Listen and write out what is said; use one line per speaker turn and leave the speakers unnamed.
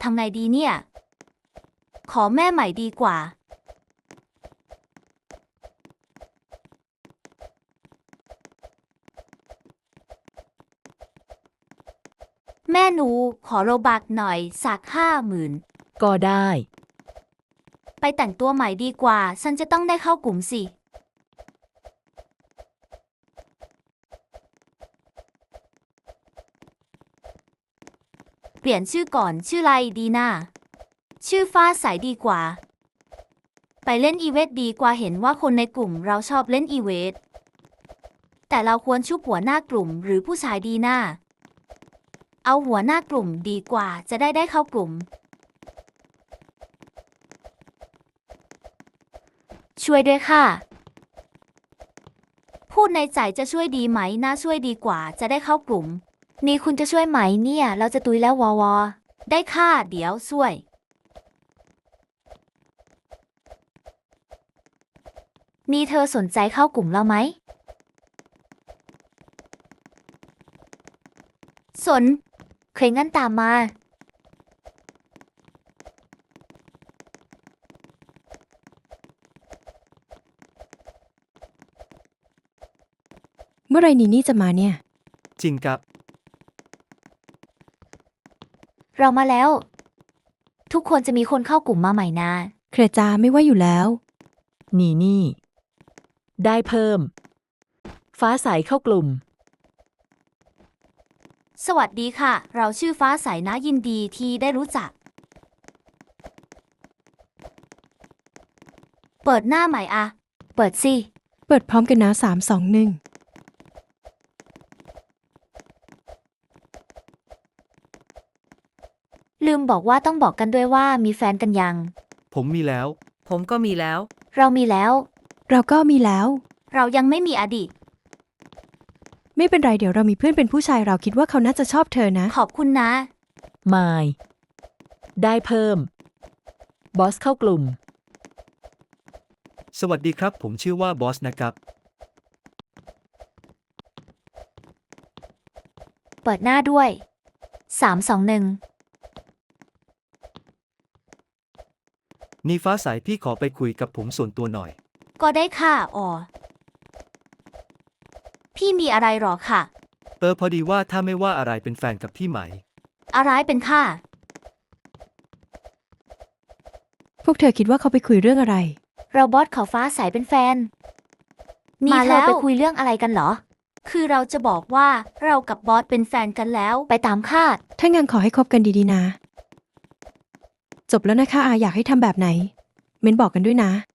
ทำไงดีเนี่ย ขอแม่ใหม่ดีกว่า แม่หนูขอโรบักหน่อยสัก50,000
ก็ได้
ไปแต่งตัวใหม่ดีกว่า ฉันจะต้องได้เข้ากลุ่มสิ เปลี่ยนชื่อก่อนชื่ออะไรดีนะชื่อฟ้าใสดีกว่า ไปเล่นอีเวนต์ดีกว่าเห็นว่าคนในกลุ่มเราชอบเล่นอีเวนต์แต่เราควรชุบหัวหน้ากลุ่มหรือผู้ชายดีนะเอาหัวหน้ากลุ่มดีกว่าจะได้เข้ากลุ่ม ช่วยด้วยค่ะ พูดในใจจะช่วยดีไหมน่าช่วยดีกว่าจะได้เข้ากลุ่ม นี่คุณจะช่วยไหมเนี่ยเราจะตุยแล้ววอได้ค่ะเดี๋ยวช่วย นี่เธอสนใจเข้ากลุ่มเราไหม สนเคยงั้นตามมา
เมื่อไรนีนี่จะมาเนี่ย
จริงครับ
เรามาแล้ว ทุกคนจะมีคนเข้ากลุ่มมาใหม่นะ
เครจาไม่ว่าอยู่แล้ว
นี่ ได้เพิ่ม ฟ้าใสเข้ากลุ่ม
สวัสดีค่ะ เราชื่อฟ้าใสนะยินดีที่ได้รู้จัก เปิดหน้าใหม่อะ เปิดสิ
เปิดพร้อมกันนะ3 2 1
ลืมบอกว่าต้องบอกกันด้วยว่ามีแฟนกันยัง
ผมมีแล้ว
ผมก็มีแล้ว
เรามีแล้ว
เราก็มีแล้ว
เรายังไม่มีอดีต
ไม่เป็นไรเดี๋ยวเรามีเพื่อนเป็นผู้ชายเราคิดว่าเขาน่าจะชอบเธอนะ
ขอบคุณนะ
มาย ได้เพิ่ม บอสเข้ากลุ่ม
สวัสดีครับ ผมชื่อว่าบอสนะครับ
เปิดหน้าด้วย3 2 1
นี่ฟ้าใสพี่ขอไปคุยกับผมส่วนตัวหน่อย
ก็ได้ค่ะอ๋อพี่มีอะไรหรอค่ะ
พอดีว่าถ้าไม่ว่าอะไรเป็นแฟนกับพี่ไหม
อะไรเป็นค่ะ
พวกเธอคิดว่าเขาไปคุยเรื่องอะไร
เราบอสเขาฟ้าใสเป็นแฟน นี่เธอไปคุยเรื่องอะไรกันเหรอ คือเราจะบอกว่าเรากับบอสเป็นแฟนกันแล้ว ไปตามคาด
ถ้างั้นขอให้คบกันดีๆนะ จบแล้วนะคะอยากให้ทำแบบไหน เม้นบอกกันด้วยนะ